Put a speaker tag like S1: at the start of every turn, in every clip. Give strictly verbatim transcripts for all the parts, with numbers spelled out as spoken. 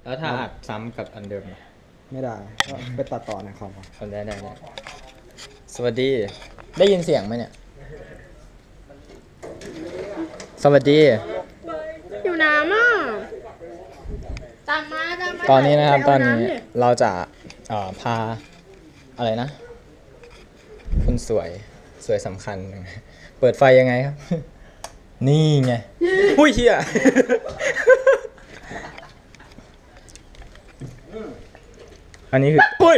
S1: แล้วถ้าอัดซ้ำกับอันเดิม
S2: ไม่ได้ก็ไปตัดต่อในคอมเอา
S1: ได้ได้ได้สวัสดี ได้ยินเสียงไหมเนี่ย สวัสดี
S3: อยู่น้ำอ่ะตามมาตามมา
S1: ตอนนี้นะครับ
S3: ไป
S1: ตอ
S3: เาน
S1: นี้
S3: ำดิ
S1: เราจะเอ่อพาอะไรนะคุณสวยสวยสำคัญ เปิดไฟยังไงครับ นี่ไงอุ้ยเฮียอันนี้คืออุ้ย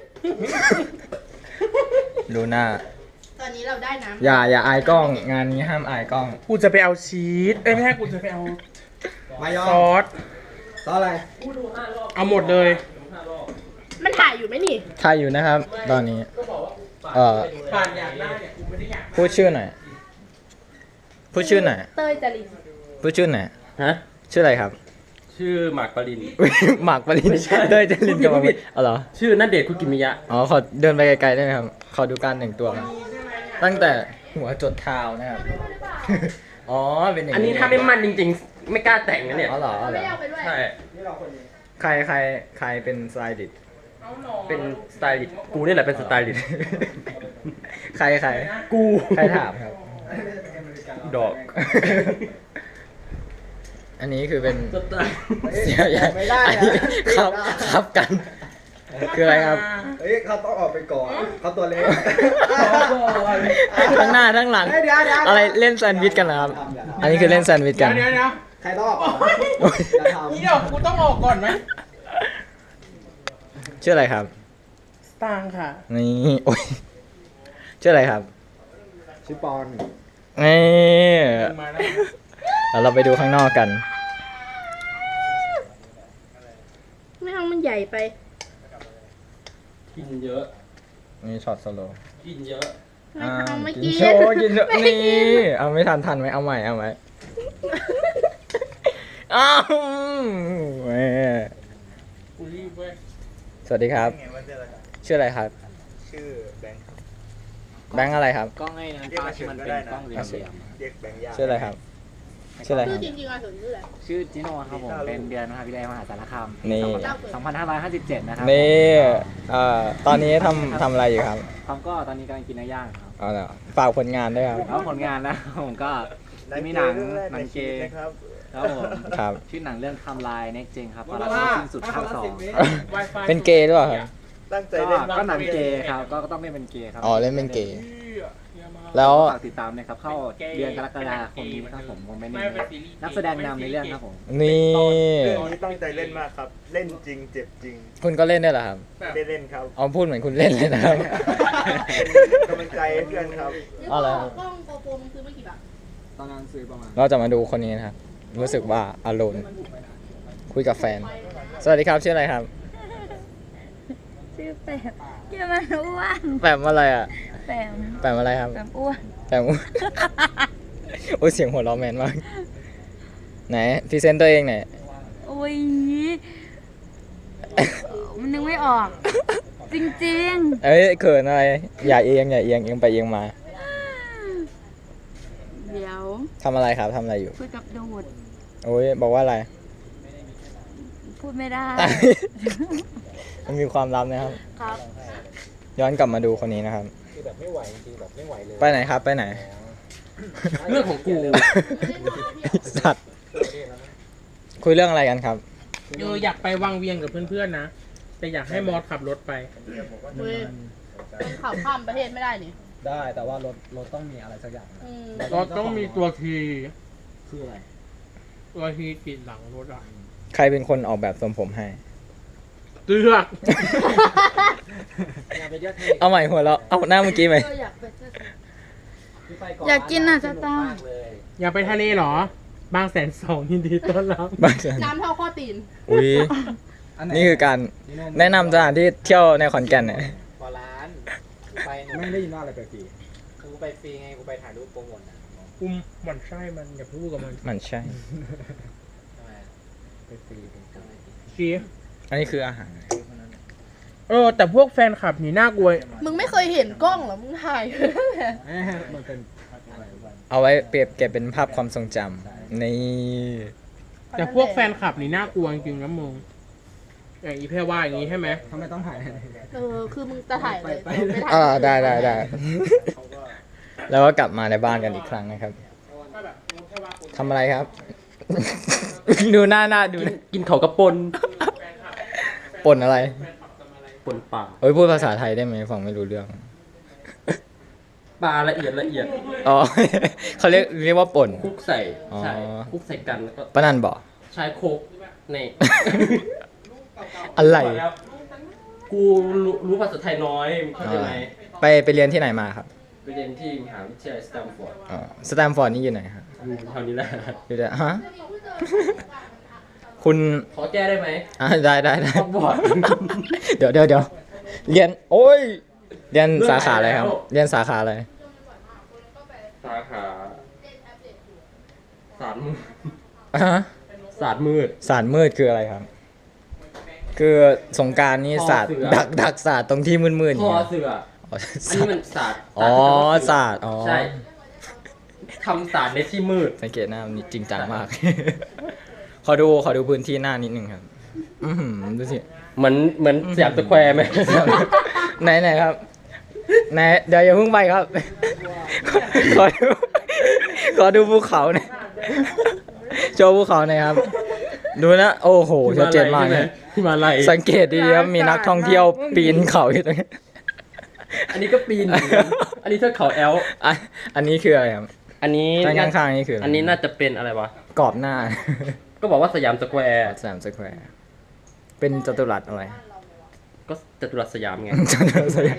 S1: ดูหน้า
S3: ตอนนี้เราได้น้ำ
S1: อย่าอย่าอายกล้อง งานนี้ห้ามอายกล้อง
S4: กูจะไปเอาชีสเอ้ยไม่ใช่กูจะไปเอา
S2: มายอ
S4: ซอส
S2: ซอสอะไร
S4: เอาหมดเลย
S3: มันถ่ายอยู่ไหมนี่
S1: ถ่ายอยู่นะครับ ตอนนี้ เอ่อ
S4: ผ่านอยากได้เนี่ยกูไม่ได้อยาก
S1: พูดชื่อหน่อย พูดชื่อหน่อย
S3: เต้ยจริน
S1: พูดชื่อหน่อย
S4: ฮะ
S1: ชื่ออะไรครับ
S4: ชื่อหมากปริน
S1: อุ๊ยหมากปริน
S4: ไม่ใช่
S1: เต้ยเจริญกับ
S4: พูดผิด
S1: อ๋อเหรอ
S4: ชื่อนัดเดชน์คุกิมิยะ
S1: อ๋อ ขอเดินไปไกลๆได้ไหมครับ ขอดูการแต่งตัว ตั้งแต่หัวจดเท้านะครับ อ๋อ เป็นอย่าง
S4: อันนี้ถ้าไม่มั่นจริงๆ ไม่กล้าแต่งนะเนี่ย
S1: อ๋อเหรออ๋อเหร
S3: ไม่
S1: อ
S3: ได้เอาไปด้วย
S4: ใช่
S1: ใครใครใครเป็นสไตลิสต์
S4: เป็นสไตลิสต์กูนี่แหละเป็นสไตลิสต์
S1: ใครใคร
S4: กู
S1: ใครถามครับ
S4: ดอก
S1: อันนี้คือเป็น
S4: สไตล์
S1: เสียใหญ่
S2: ไม่ได้
S1: อัน
S2: นะ
S1: นี้ครับครับกัน คืออะไรครับ
S2: เฮ้ยเขาต้องออกไปก่อนเขาตัวเล็ก
S1: ทั้งหน้าทั้งหลัง
S2: เฮ้ยเดี๋ยวเดี๋ยว
S1: อะไรเล่นแซนด์วิชกันเหรอครับ อันนี้คือเล่นแซนด์วิช
S4: เดี๋
S1: กั
S4: ย
S1: น
S4: วเดี๋ยวเดี๋ยว
S2: ใครต้องออกก่อน
S1: โอ้ย
S2: อย่าทำ
S4: นี่เดี๋ยวกูต้องออกก่อนไหม
S1: ชื่ออะไรครับ
S4: สตางค์ค่ะ
S1: นี่ โอ้ย ชื่ออะไรครับ
S2: ชื่อปอน
S1: นี่
S4: มาแล้ว
S1: แล้วเราไปดูข้างนอกกัน
S3: ไม่เอามันใหญ่ไป
S4: กินเยอะ
S1: นี่ช็อตสโลว์
S4: กินเยอะ
S3: ไม่เอาไม่
S1: กิ
S3: กิ
S1: น
S3: น
S1: โชว์กินโชว์นี่ เอาไม่ทันทันไหมเอาใหม่เอาใหม่อ้าวแหม่
S4: กูรีบเว้ย
S1: สวัสดีครับ ชื่ออะไรครับ
S2: ชื่อแบงค์
S1: แบงค์อะไรครับ
S5: กล้องไอ้นั้นป้าที่มันเป็นกล้องเหลี่ยม
S2: เรียกแบงค์ยา
S1: ชื่ออะไรครับ ชื่ออะไรค
S3: ชื่
S1: รั
S3: อบ จริงๆอ่ะสนชื่ออะไร
S5: ๆชื่อจิโน่ครับผม เป็นเดือนมหาวิทยาลัยมหาสารคาม
S1: นี่
S5: สองพันห้าร้อยห้าสิบเจ็ดนะครับ
S1: นี่เอ่อตอนนี้ทำทำอะไรอยู่ครับ
S5: ผมก็ตอนนี้กำลังกินเนื้อย่างครับ
S1: เอาละฝากผลงานด้วยครับ
S5: แล้วผลงานนะ ผมก็มีหนังหนังเกย์ครับผม
S1: ครับ
S5: ชื่อหนังเรื่องไทำลายเน็กเจงครับตอนรับสิ้นสุดภาคสอง
S1: เป็นเกย์หรือเปล่าครับ
S2: ตั้งใจ
S5: ก็
S2: เล่น
S5: ก็หนังเกย์ครับ ก็ต้องเล่นเป็นเกย์ครับ
S1: อ๋อเล่นเป็นเกย์ แล้ว
S5: ฝากติดตามนะครับ เข้าเดือนกรกฎาคมนี้ครับผมผมเป็นนักแสดงนำในเรื่องครับผม
S1: นี่
S6: เรื่องนี้ตั้งใจเล่นมากครับ เล่นจริงเจ็บจริง
S1: คุณก็เล่นได้วยเหรอครับ
S6: ได้เล่นครับ
S1: เอาพูดเหมือนคุณเล่นเลยนะครับ
S6: กำลังใจให้เพื่อนครับ
S3: นี่
S1: เอา
S3: ก
S1: เหร
S3: ล้
S1: อ
S3: องกล้องโกโปรมึงซื้อมากี่บาท
S5: ตอนนั้นซื้อประมาณ
S1: เราจะมาดูคนนี้นะครับ รู้สึกว่าอารมณ์คุยกับแฟน สวัสดีครับชื่ออะไรครับ
S7: ชื่อแปมเกี่ยวมันอ้วน
S1: แปมอะไรอ่ะ
S7: แปม
S1: แปมอะไรครับ
S7: แปมอ้วน
S1: แปม โอ้ยเสียงหัวเราะแมนมาก ไหนพรีเซนต์ตัวเองหน่อย
S7: โอ้ยมันนึกไม่ออก จริง
S1: เอ้ยเขินอะไร อย่าเอียงอย่าเอียงเอียงไปเอียงมา
S7: ๆ เดี๋ยว
S1: ทำอะไรครับทำอะไรอยู่
S7: คุยกับดูด
S1: โอ้ยบอกว่าอะไร
S7: พูดไม่ได้
S1: มันมีความลับนะครับ
S7: ครับ
S1: ย้อนกลับมาดูคนนี้นะครับ ไปไหนครับไปไหน
S4: เรื่องของกู
S1: สัตว์ คุยเรื่องอะไรกันครับ
S4: เอออยากไปวังเวียงกับเพื่อนๆนะ แต่อยากให้มอสขับรถไป
S3: เว้ยขับข้ามประเทศไม่ได้นี่
S2: ได้แต่ว่ารถรถต้องมีอะไรสักอย่าง
S3: อืม
S4: ก็ต้องมีตัวที
S2: คืออะไร
S4: ตัวทีติดหลังรถอ่ะ
S1: ใครเป็นคนออกแบบทรงผมให้
S4: เตือก
S1: เอาใหม่หัวเราะเอาหน้าเมื่อกี้ไหม
S3: เอออยากไปเจอ
S7: อยากกินอ่ะสตาร์
S4: อยากไปทะเลเหรอ บางแสนสองยินดีต้อนรับ
S1: บ้าจัง
S3: น้ำเท่าข้อตีน
S1: อุ้ยนี่คือการแนะนำสถานที่เที่ยวในขอนแก่นเนี่ย
S5: กว่าล้านไป
S2: ไม่ได้ยินว่าอะไรไปฟรี
S5: กูไปฟรีไงกูไปถ่ายรูปโปรโมทนะ
S4: อุ้มหมันไส้มันอย่าพูดกับมัน
S1: มันใช่
S5: ทำไม
S2: ไปฟรี
S4: เชีย
S1: อันนี้คืออาหาร
S4: เออ แต่พวกแฟนคลับนี่น่ากลัว
S3: มึงไม่เคยเห็นกล้องเหรอ มึงถ่าย
S2: มันเป็นอะไรวะ
S1: เอาไว้เปรียบเก็บเป็นภาพความทรงจำนี่
S4: แต่พวกแฟนคลับนี่น่ากลัวจริงๆนะมึงอย่างอีแพรว่าอย่างนี้ใช่ไหม
S2: ทำไมต้องถ่าย
S3: เออ คือมึงจะถ่ายเลย
S2: ไปไป
S3: ไม่ถ่าย
S1: อ่าได้ได้ได้ แล้วก็กลับมาในบ้านกันอีกครั้งนะครับทำอะไรครับ ดูหน้าหน้าดูหน้า
S5: กินเขากระปน
S1: ป่นอะไร
S5: ปนปลา
S1: เฮ้ยพูดภาษาไทยได้ไหมฟังไม่รู้เรื่อง
S5: ปลาละเอียดละเอียด
S1: อ๋อ เขาเรียกเรียกว่าป่น
S5: คลุกใส่
S1: อ๋อ
S5: ใช่คลุกใส่กันแล้วก็
S1: ป้านันบอก
S5: ใช้โคกใน
S1: อะไร
S5: กูรู้รู้ภาษาไทยน้อยมึงเข้าใจไหม
S1: ไปไปเรียนที่ไหนมาครับ
S5: ไปเรียนที่มหาวิทยาลัยสแตมฟอร์ด
S1: อ๋อสแตมฟอร์ดนี่อยู่ไหนครับ
S5: อยู่แถวนี้แหละ
S1: อยู่แต่ฮะ คุณ
S5: ขอแก้ได้ไหม
S1: อ่าได้ได้ได้
S5: ฮอกวอตส์
S1: เดี๋ยวเดี๋ยวเดี๋ยวเรียน โอ้ย เรียนสาขาอะไรครับ เรียนสาขาอะไร
S5: สาขาศาสตร์มืด
S1: ฮะ
S5: ศาสตร์มืด
S1: ศาสตร์มืดคืออะไรครับ คือสงกรารนี่ศาสตร์
S5: คอเสือ
S1: ดักดักศาสตร์ตรงที่มืดๆ
S5: ค
S1: นี่
S5: อเสือ
S1: อ๋อ
S5: อันนี้มันศาสตร์
S1: อ๋อศาสตร์อ๋อ
S5: ใช่ทำศาสตร์ในที่มืด
S1: สังเกตหน้ามันจริงจังมาก ขอดูขอดูพื้นที่หน้านิดนึงครับ อือหือดูสิ
S5: เหมือนเหมือนสยามสแควร์ไหม
S1: ไหนไหนครับไหนเดี๋ยวอย่าเพิ่งไปครับ ขอดูขอดูภูเขาหน่อยโชว์ภูเขาหน่อยครับ ดูนะ โอ้โหชัดเจนมากเลย
S5: ที่มาลัย
S1: สังเกตดีๆครับมีนักท่องเที่ยวปีนเขาอยู่ตรงนี้
S5: อันนี้ก็ปีนเหมือนกันอันนี้เทือกเขาแอล
S1: อันอันนี้คืออะไรครับ
S5: อันนี้
S1: ด้านข้างๆนี่คืออะไร
S5: อันนี้น่าจะเป็นอะไรวะ
S1: กรอบหน้า
S5: ก็บอกว่าสยามสแควร์
S1: สามสแควร์เป็นจัตุรัสอะไร
S5: ก็จตุรัสสยามไง
S1: จัตุรัสอะไร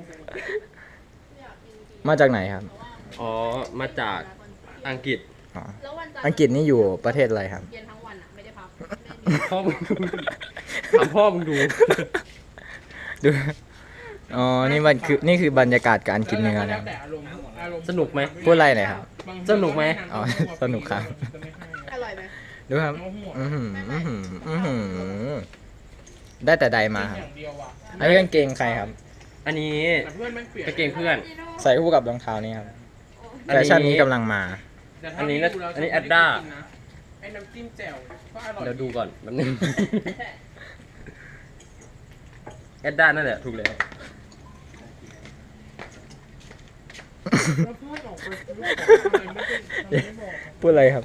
S1: มาจากไหนครับ
S5: อ๋อ มาจากอังกฤษ
S1: อ๋อ
S3: แล้ววันจันทร์
S1: อังกฤษนี่อยู่ประเทศอะไรครับ
S3: เรียนทั้งวันอ่ะ ไม่ได้พัก
S5: พ่อมึงถามพ่อมึงดู
S1: ดู อ๋อ นี่มันคือ นี่คือบรรยากาศการกินเนื้อ
S4: แล้
S1: นะ
S4: วแต่อารมณ์อารมณ์
S5: สนุกไหม
S1: พูดอะไรหน่อยครับ
S5: สนุกไหม
S1: อ๋อ สนุกครับ
S3: อร่อยไหม
S1: ดูครับ อือหืออื้อหืออื้อหือได้แต่ใดมาครับ
S4: อย่างเดียวอ่ะ
S1: อันนี้กางเกงใครครับ
S5: อันนี้
S4: แต่เพื่อนแม่งเปลี่ยน
S5: กางเกงเพื่อน
S1: ใส่คู่กับรองเท้านี่ครับ
S5: อัน
S1: แฟ
S5: นี้
S1: ชั่นนี้กำลังมา
S4: แต่ถ้า
S5: อันนี้น่ะ
S4: ดูแล้ว
S5: อันนี้
S4: ชบ
S5: Adda
S4: กินนะไอ้น้ำจิ้มแจ่วก็อร่อย
S5: เดี๋ยวดูก่อนแป๊บนึง แอดด้านั่นแหละถูกแล้ว
S4: แล้วเพื่อนออกไปซื้อของอะไรไม่ได้ทำไมไม่บอก
S1: พูดอะไรครับ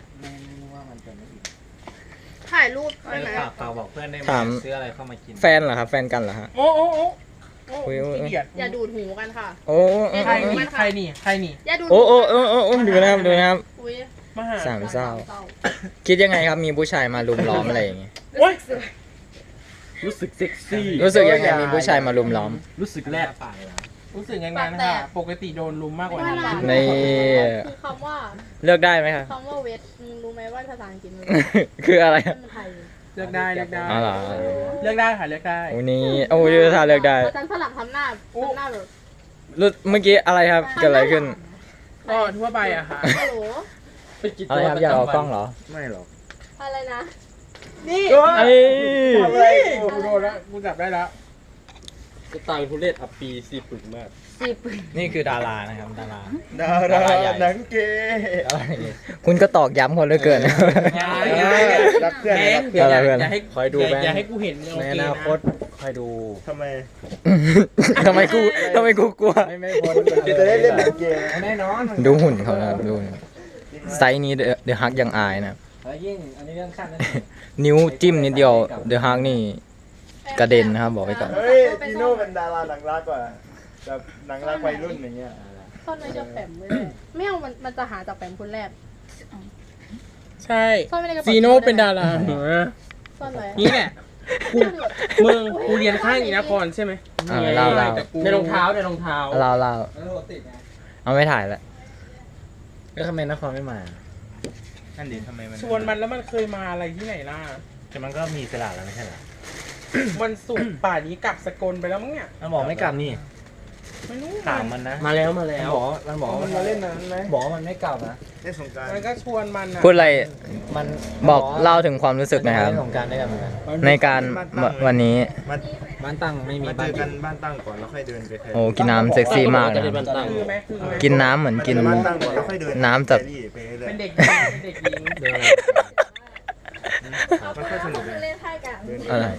S3: ถ่ายรูปได้ไหม
S2: ฝากฝากบอกเพื่อนได้ไหม
S1: ถาม
S2: ซื้ออะไรเข้ามากิน
S1: แฟนเหรอครับ แฟนกันเหรอฮะ
S4: โอ้โอ้โอ้โอ้
S1: อุ๊ยอุ๊ย
S4: ขี้เกียจ
S3: อย่าดูดหูกันค่ะ
S1: โอ้โอ้
S4: ใครนี่ใครนี่ใครนี่
S3: อย่าดูด
S1: โอ้
S3: หู
S1: โอ้โอ้โอ้โอ้ดูนะครับดูนะครับ
S3: อุ้ย
S4: มาหา
S1: สามเศร้า คิดยังไงครับ มีผู้ชายมาลุมล้อมอะไรอย่างงี้
S4: โอ้ย
S5: รู้สึกเซ็กซี่
S1: รู้สึกยังไงมีผู้ชายมาลุมล้อม
S5: รู้สึกแรก
S4: รู้สึกงานๆค่ะปกติโดนลุมมากกว่านี้
S1: ใน
S3: คือคำว่า
S1: เลือกได้ไหมครับ
S3: คำว่าเวทมึงรู้ไหมว่าภาษาอังกฤษมัน
S1: คืออะไรครับ
S3: มันไทย
S4: เลือกได้เลือกได้
S1: อ๋อเหรอ
S4: เลือกได้ค่ะเลือกได้
S1: โอ้นี่โอ้ยถ้าเลือกได้
S3: อาจารย์ฝรั่งทำหน้าทำหน้าแบบ
S1: รู้เมื่อกี้อะไรครับเกิดอะไรขึ้น
S4: ก็ทั่วไปอะค่ะ
S3: ฮัลโหล
S5: เป็นกิจ
S1: อะไร
S5: วัต
S1: ครับ
S5: ร
S1: อยาก
S5: ประ
S1: เอา
S5: จำ
S1: กล้
S5: วั
S1: อง
S5: น
S1: เหรอ
S2: ไม่หรอก
S3: อะไรนะ นี่
S1: ไอ้
S4: เฮ้ยกูโดนแล้วกูจับได้แล้ว
S5: สไตล์ทุเรศอัปปีซีปึกมาก
S3: สิบ
S1: นี่คือดารานะครับดารา
S6: ดาราหนังเกย์
S1: ดาราอย่างงี้คุณก็ตอกย้ำคนเหลือเกินนะ
S4: อย่า
S6: รักเพื่อน
S4: แบ
S6: รั
S4: ง
S6: ก
S4: ค์
S6: เพื่อน
S1: อะไรเพื่อน
S4: อย่าให้
S2: คอยดูแบงค์
S4: อย่าให้กูเห็นโอ
S2: ใน
S4: เค
S2: อ
S4: นะ
S2: นาคตคอยดู
S6: ทำไม
S1: ทำไมกูทำไมกูกลัว
S2: ไม่ไม่พ้น
S6: จะได้เล่นหนังเกย์
S2: แน่นอน
S1: ดูหุ่นเขานะครับดูหุ่นไซส์นี้เดอะฮักยังอายนะครับ
S2: แล้วยิ่งอันนี้เรื่องขั้นนั้น
S1: นิ้วจิ้มนิดเดียวเดอะฮักนี่กระเด็นนะครับบอกไว้ก่อน
S6: เฮ้ยจีโน่เป็นดาราหนังรักกว่าแบบหนังรักวัยรุ่นอย่างเงี้ย
S3: ซ่อนไว้จะแปมไม่ได้ไม่เอามันมันจะหาจากแปมคนแรก
S4: ใช่
S3: ซ่อนไว้ในกระเป๋า
S4: ซีโน่เป็นดาราเหรอ
S3: ซ่อนไว้
S4: นี่แหละกูมึงกูเรียนข้างอีนครใช่ไหม
S1: อ่าเล่าเล่า
S4: แต่กู
S5: ในรองเท้าในรองเท้า
S1: เล่าเล่า
S2: แล้วรถติดไง
S1: เอาไม่ถ่ายละ
S2: แล้วทำไมนครไม่มา
S6: นั่นดิทำไมมัน
S4: ชวนมันแล้วมันเคยมาอะไรที่ไหนล่ะ
S2: แต่มันก็มีสลากแล้วไม่ใช่เหรอ
S4: วันศุกร์ป่านนี้กลับสกลไปแล้วมั้งเนี่ย
S2: มันบอกไม่กลับนี่
S4: ไม่รู้
S2: ถามมันนะ
S5: มาแล้วมา
S2: มัน
S5: แล้ว
S2: บอกมันบอก
S4: มันมาเล่นนั้นไหม
S2: บอกว่ามันไม่กลับนะ
S6: เล่นสงกราร
S4: มันก็ชวนมันนะ
S1: พูดอะไร
S2: มัน
S1: บอกเล่าถึงความรู้สึกหนะครับ
S2: เล่นสงกรารด้วยกันเหมือนกัน
S1: ในการวันนี้
S6: มา
S2: บ้านตั้งไม่มี
S6: มาเจ
S2: บ้าน
S6: อกันบ้านตั้งก่อนแล้วค่อยเดินไปแค
S1: โอ้กินน้ำเซ็กซี่มากนะครับ
S4: คือไหมคือไหม
S1: กินน้ำเหมือนกิน
S6: บ้านตั้งก่อนแล้วค่อยเดิน
S1: น้ำจาก
S6: แฟรี่ไปเรื่อย
S4: เป็นเด็กหญิงเป็นเด็กหญิง
S2: เดินอะไร
S6: มันค่อยสนุกเลย
S7: เล่นไพ่กัน
S6: เดิน
S1: อะไร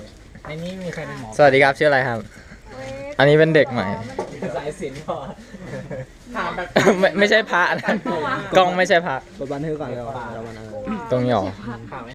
S2: ในนี้มีใครเป็นหมอ
S1: สวัสดีครับชื่ออะไรครับ อันนี้เป็นเด็กใหม่
S2: สายสิญจน์พอ
S4: ถามแบบ
S1: ไม่ไม่ใช่พระนะกล้องไม่ใช่พระ
S2: กดบันทึกก่อนเดี๋ยวเรามัน
S1: ตรงนี้หรอ
S2: ข่าว